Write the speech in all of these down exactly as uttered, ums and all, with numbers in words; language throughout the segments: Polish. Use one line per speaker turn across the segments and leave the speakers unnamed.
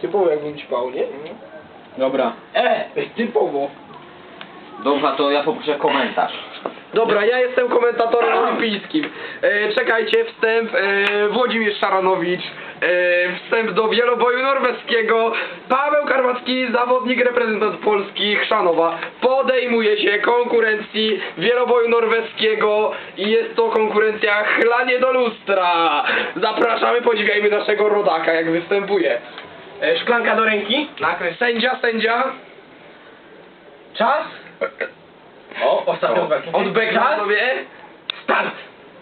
Typowo jakbym ćpał, nie?
Dobra.
E, typowo.
Dobra, to ja poproszę komentarz.
Dobra, ja jestem komentatorem olimpijskim. E, czekajcie, wstęp e, Włodzimierz Szaranowicz, e, wstęp do wieloboju norweskiego. Paweł Karwacki, zawodnik, reprezentant Polski, Chrzanowa, podejmuje się konkurencji wieloboju norweskiego i jest to konkurencja chlanie do lustra. Zapraszamy, podziwiajmy naszego rodaka, jak występuje.
E, szklanka do ręki.
Nakres. Sędzia, sędzia.
Czas. O, ostatnią walkę.
Odbegna
Czas.
sobie.
Start.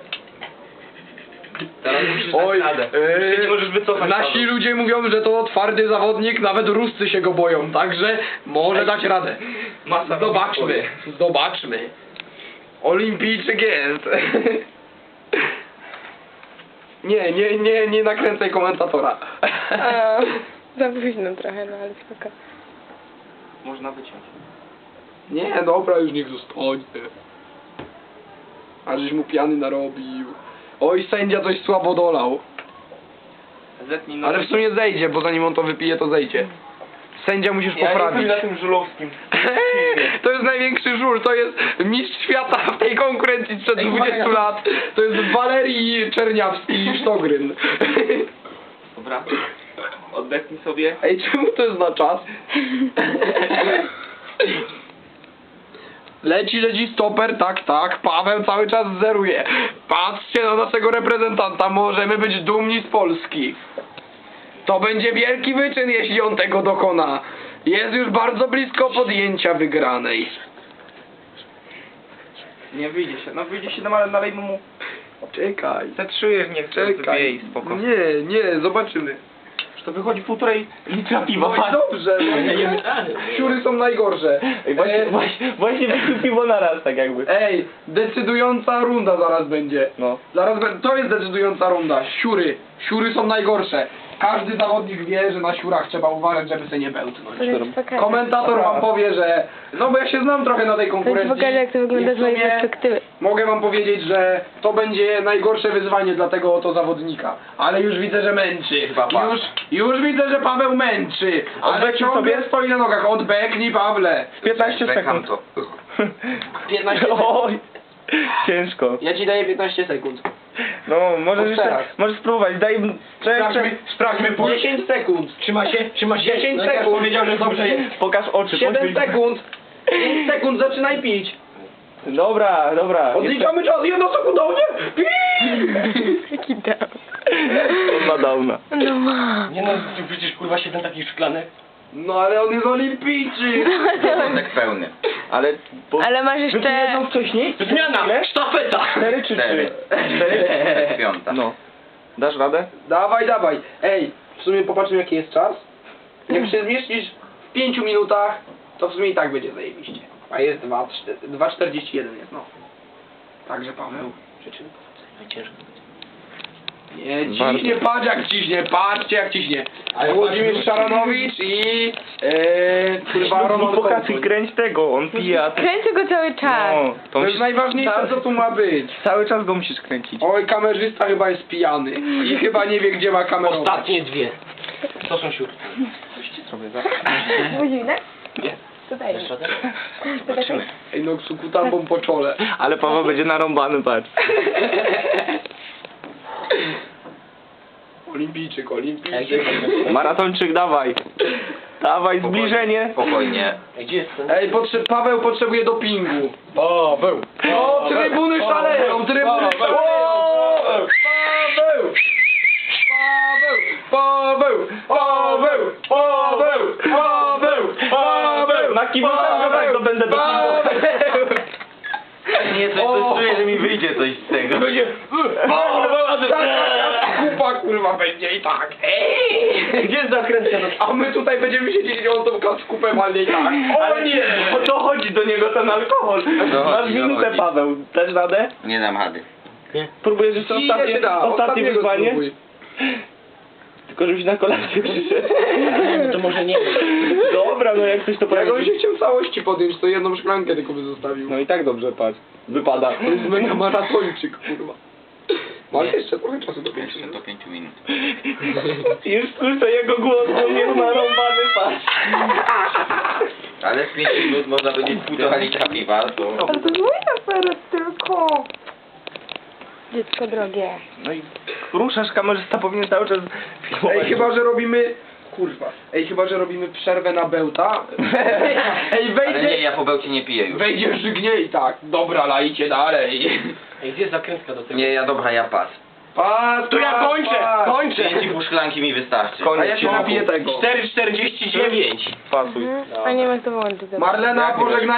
Teraz musisz
Oj,
dać radę.
yy,
Ty nie możesz wycofać,
nasi
Paweł.
ludzie mówią, że to twardy zawodnik, nawet Ruscy się go boją, także może dać radę.
Masa
Zobaczmy, zobaczmy. Olimpijczyk jest. Nie, nie, nie, nie nakręcaj komentatora.
A, za późno trochę, no ale spoko.
Można wyciąć.
Nie, dobra, już niech zostanie. A żeś mu piany narobił. Oj, sędzia coś słabo dolał.
Zetnij na
Ale w sumie zejdzie, bo zanim on to wypije, to zejdzie. Sędzia musisz
Ja
poprawić.
jestem na tym żulowskim.
To jest największy żul, to jest mistrz świata w tej konkurencji sprzed dwudziestu lat. To jest Walerii Czerniawski-Sztogryn.
Dobra. Oddechnij sobie.
Ej, czemu to jest na czas? Leci, leci stoper, tak, tak, Paweł cały czas zeruje. Patrzcie na naszego reprezentanta, możemy być dumni z Polski. To będzie wielki wyczyn, jeśli on tego dokona. Jest już bardzo blisko podjęcia wygranej.
Nie wyjdzie się. No wyjdzie się, no ale nalejmy mu.
Czekaj,
Zetrzujesz, niech to
czekaj.
zwiej, spoko.
Nie, nie, zobaczymy.
Że to wychodzi półtorej litra piwa.
No i dobrze, no. Siury są najgorsze.
Ej, właśnie,
E,
właśnie, właśnie wypił piwo na raz, tak jakby.
Ej, decydująca runda zaraz będzie.
No.
Zaraz be- to jest decydująca runda. Siury. Siury są najgorsze. Każdy zawodnik wie, że na siurach trzeba uważać, żeby się nie bełtnąć.
To jest pokaże.
Komentator wam powie, że... No bo ja się znam trochę na tej
To
konkurencji.
jest pokaże, jak to wygląda
i w
z mojej
sumie
perspektywy.
mogę wam powiedzieć, że to będzie najgorsze wyzwanie dla tego oto zawodnika. Ale już widzę, że męczy.
Chyba tak.
Już, już widzę, że Paweł męczy. Ale
Odbeknij
ciągle
sobie.
stoi na nogach. Odbeknij, Pawle.
piętnaście
Bekam
sekund.
to.
piętnaście sekund.
Oj, ciężko.
Ja ci daję piętnaście sekund.
No, możesz
Od
jeszcze,
teraz.
możesz spróbować, daj...
Sprawdźmy, sprawdźmy puls. dziesięć sekund. Trzyma się, trzyma się. dziesięć sekund. powiedział, że dobrze jest.
Pokaż oczy.
siedem
poświeć.
sekund. pięć sekund, zaczynaj pić.
Dobra, dobra.
Odliczamy czas, jedno sekundownie.
Jaki dał.
On ma downa.
No ma.
Nie no, tu przecież kurwa siedem takich szklanek.
No ale on jest olimpijczyk.
Porządek pełny.
Ale... Bo...
Ale masz
Wypili
jeszcze...
jedną wcześniej?
Zmiana!
Ile?
Sztafeta!
Cztery czy
Cztery.
trzy? Cztery?
Piąta.
No. Dasz radę?
Dawaj, dawaj. Ej, w sumie popatrzmy jaki jest czas. Jak się zmieścisz w pięciu minutach, to w sumie i tak będzie zajebiście. A jest dwa czterdzieści jeden jest, no. Także Paweł, życzymy powodzenia.
Ciężko.
Nie,
Bardzo.
ciśnie, patrz jak ciśnie, patrzcie jak ciśnie. Włodzimierz Szaranowicz i... Eee, kurwa, Roman
Pokazuj,
Konsul.
kręć tego, on pije, a ty...
Kręcę go cały czas.
No, to
To jest
musisz...
najważniejsze co tu ma być.
Cały czas go musisz kręcić.
Oj, kamerzysta chyba jest pijany i chyba nie wie gdzie ma kamerować.
Ostatnie dwie. To są siurki.
Sobie za...
Buzi, tak?
Nie.
Tutaj.
Dasz radę?
Zobaczymy.
Ej, no ksukutambą po czole.
Ale Paweł będzie narąbany, patrz.
Olimpijczyk, olimpijczyk.
Maratończyk, dawaj. Dawaj, zbliżenie.
Spokojnie.
Gdzie jest ten?
Ej, potrze Paweł potrzebuje dopingu.
Paweł!
O, trybuny szaleją, trybuny szaleją. Paweł! Paweł! Paweł! Paweł! Paweł! Paweł!
Na kibicach go tak dobędę do
Paweł!
Nie, coś, coś czuję, że mi wyjdzie coś z tego.
Będzie... Kupa kurwa będzie i tak. Ej!
Gdzie jest zakrętka?
A my tutaj będziemy siedzieć i on tą kaskupę walnie i tak. O nie!
O to chodzi do niego ten alkohol.
Dochodzi,
Masz minutę,
dochodzi.
Paweł. Dasz radę?
Nie dam rady.
Próbujesz jeszcze
Ile się
ostatnie,
da?
ostatnie
Ostatniego
wyzwanie?
spróbuj.
Tylko żebyś na kolację przyszedł.
To może nie.
Dobra, no jak coś to
Jak on
powie.
się chciał całości podjąć, to jedną szklankę tylko by zostawił.
No i tak dobrze, patrz. Wypada.
To jest mega maratończyk, kurwa. Masz jeszcze trochę czasu do pięciu
Jeszcze
minut.
do pięciu minut.
Już słyszę jego głos, bo mnie narąbany patrz.
Ale z pięciu minut można będzie półtora litra piwa, to...
Ale to jest mój aferet tylko. Dziecko drogie.
No i ruszasz, kamerzysta powinien cały czas filmować.
Ej, chyba, że robimy... Kurwa. Ej, chyba, że robimy przerwę na bełta. Ej,
Ale
wejdzie...
nie, ja po bełcie nie piję już.
Wejdzie żygnie i tak. Dobra, lajcie dalej.
Ej, gdzie jest zakrętka do tego?
Nie, ja dobra, ja pas.
Pas,
To ja
pas,
kończę,
pas.
kończę!
Pięć i pół szklanki mi wystarczy.
A ja się napiję tego.
cztery czterdzieści dziewięć.
Pasuj.
Mhm. A nie wiem jak to wyłączyć. dobra.
Marlena,
Jak nie
pożegnaj